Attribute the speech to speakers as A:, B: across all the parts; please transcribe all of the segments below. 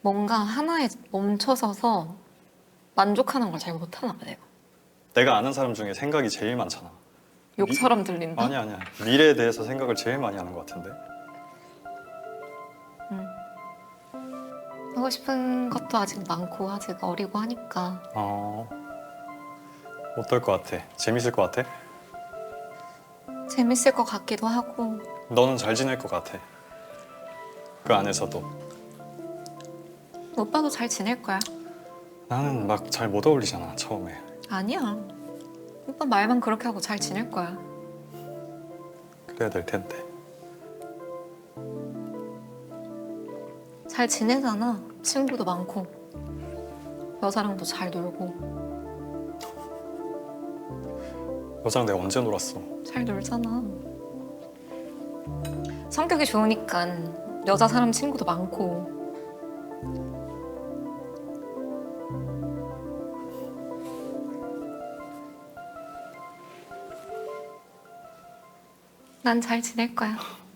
A: 뭔가 하나에 멈춰서서 만족하는 걸 잘 못하나 봐, 내가.
B: 내가 아는 사람 중에 생각이 제일 많잖아.
A: 욕처럼 들린다?
B: 아니야. 미래에 대해서 생각을 제일 많이 하는 것 같은데.
A: 하고 싶은 것도 아직 많고 아직 어리고 하니까.
B: 어떨 것 같아? 재밌을 것 같아?
A: 재밌을 것 같기도 하고.
B: 너는 잘 지낼 것 같아. 그 안에서도.
A: 오빠도 잘 지낼 거야.
B: 나는 막 잘 못 어울리잖아, 처음에.
A: 아니야. 오빠 말만 그렇게 하고 잘 지낼 거야.
B: 그래야 될 텐데.
A: 잘 지내잖아. 친구도 많고 여자랑도 잘 놀고.
B: 여자랑 내가 언제 놀았어?
A: 잘 놀잖아. 성격이 좋으니까 여자 사람 친구도 많고. 난 잘 지낼 거야.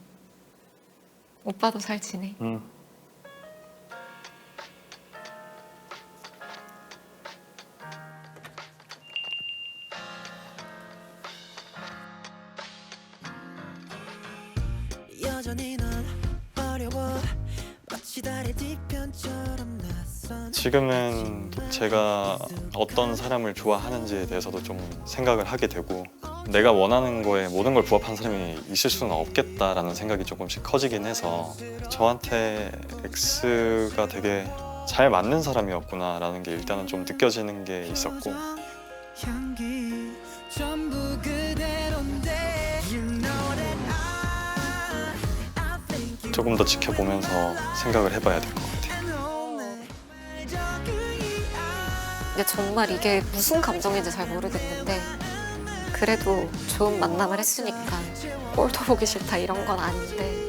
A: 오빠도 잘 지내.
B: 응.
C: 여전히 넌 어려워 마치 달의 뒤편처럼 낯선
B: 지금은 제가 어떤 사람을 좋아하는지에 대해서도 좀 생각을 하게 되고 내가 원하는 거에 모든 걸 부합한 사람이 있을 수는 없겠다라는 생각이 조금씩 커지긴 해서 저한테 X가 되게 잘 맞는 사람이었구나라는 게 일단은 좀 느껴지는 게 있었고
C: 향기 전부 그대로인데 You know that I think you
B: 조금 더 지켜보면서 생각을 해봐야 될 것 같아요.
C: know 내 적응이
A: 근데 정말 이게 무슨 감정인지 잘 모르겠는데 그래도 좋은 만남을 했으니까 꼴도 보기 싫다 이런 건 아닌데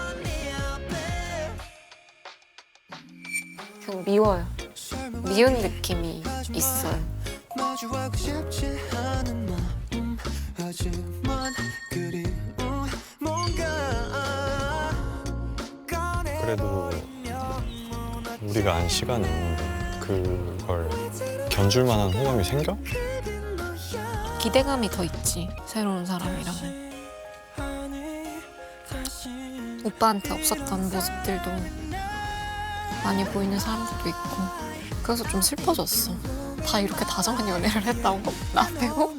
A: 그냥 미워요. 미운 느낌이 있어요.
C: 마주하고 싶지 않은 마음 하지만 그리운 뭔가
B: 그래도 우리가 안 시간이 있는데 그걸 견줄 만한 호감이 생겨?
A: 기대감이 더 있지, 새로운 사람이라면. 오빠한테 없었던 모습들도 많이 보이는 사람들도 있고 그래서 좀 슬퍼졌어. 다 이렇게 다정한 연애를 했다고? 나 빼고?